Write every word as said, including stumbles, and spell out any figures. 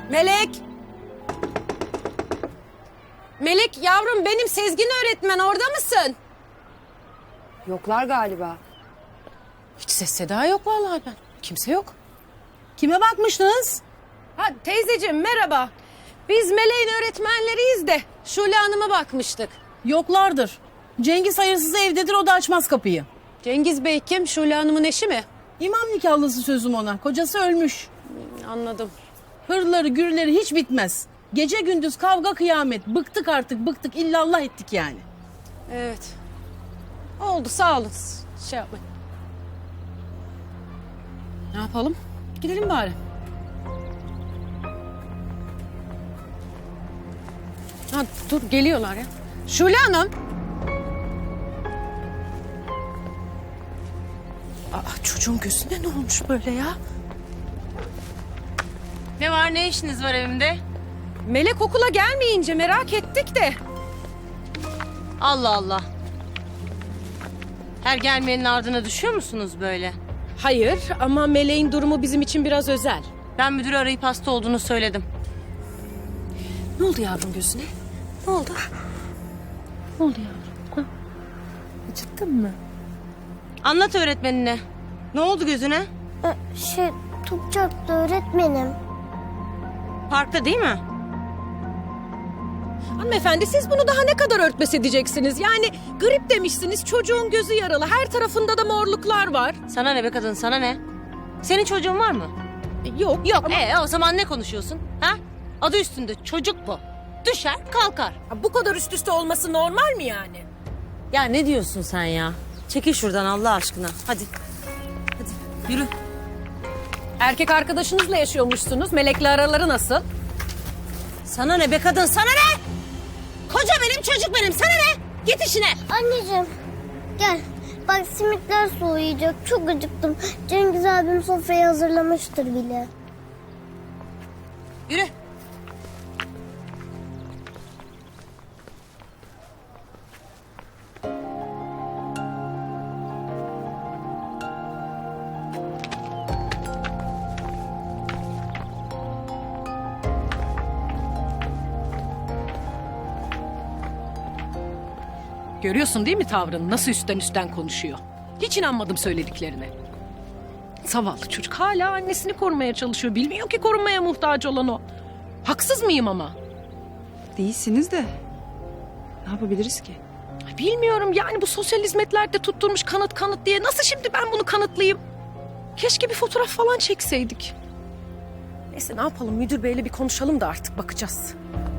Melek! Melek yavrum, benim Sezgin öğretmen, orada mısın? Yoklar galiba. Hiç ses seda yok vallahi ben. Kimse yok. Kime bakmıştınız? Ha teyzeciğim merhaba. Biz Meleğin öğretmenleriyiz de Şule Hanım'a bakmıştık. Yoklardır. Cengiz hayırsız evdedir, o da açmaz kapıyı. Cengiz Bey kim? Şule Hanım'ın eşi mi? İmam nikahlısı sözüm ona. Kocası ölmüş. Anladım. Hırları gürleri hiç bitmez. Gece gündüz kavga kıyamet. Bıktık artık bıktık, illallah ettik yani. Evet. Oldu, sağ olun. Şey yapmayın. Ne yapalım? Gidelim bari. Ha, dur geliyorlar ya. Şule Hanım. Aa, çocuğun gözüne ne olmuş böyle ya? Ne var, ne işiniz var evimde? Melek okula gelmeyince merak ettik de. Allah Allah. Her gelmeyenin ardına düşüyor musunuz böyle? Hayır ama Meleğin durumu bizim için biraz özel. Ben müdürü arayıp hasta olduğunu söyledim. Ne oldu yavrum gözüne? Ne oldu? Ne oldu yavrum? Ha? Acıttın mı? Anlat öğretmenine. Ne oldu gözüne? Ee, Şey, top çarptı öğretmenim. Parkta değil mi? Hanımefendi siz bunu daha ne kadar örtbas edeceksiniz? Yani grip demişsiniz, çocuğun gözü yaralı, her tarafında da morluklar var. Sana ne be kadın, sana ne? Senin çocuğun var mı? E, Yok yok ama Ee, o zaman ne konuşuyorsun? Ha? Adı üstünde çocuk bu. Düşer kalkar. Ha, bu kadar üst üste olması normal mi yani? Ya ne diyorsun sen ya? Çekil şuradan Allah aşkına. Hadi. Hadi yürü. Erkek arkadaşınızla yaşıyormuşsunuz, Melek'le araları nasıl? Sana ne be kadın, sana ne? Koca benim, çocuk benim, sana ne? Git işine. Anneciğim, gel. Bak simitler soğuyacak. Çok acıktım. Cengiz abim sofrayı hazırlamıştır bile. Yürü. Görüyorsun değil mi tavrını? Nasıl üstten üstten konuşuyor. Hiç inanmadım söylediklerine. Zavallı çocuk hala annesini korumaya çalışıyor. Bilmiyor ki korunmaya muhtaç olan o. Haksız mıyım ama? Değilsiniz de ne yapabiliriz ki? Ay, bilmiyorum yani bu sosyal hizmetlerde tutturmuş kanıt kanıt diye. Nasıl şimdi ben bunu kanıtlayayım? Keşke bir fotoğraf falan çekseydik. Neyse ne yapalım, müdür beyle bir konuşalım da artık bakacağız.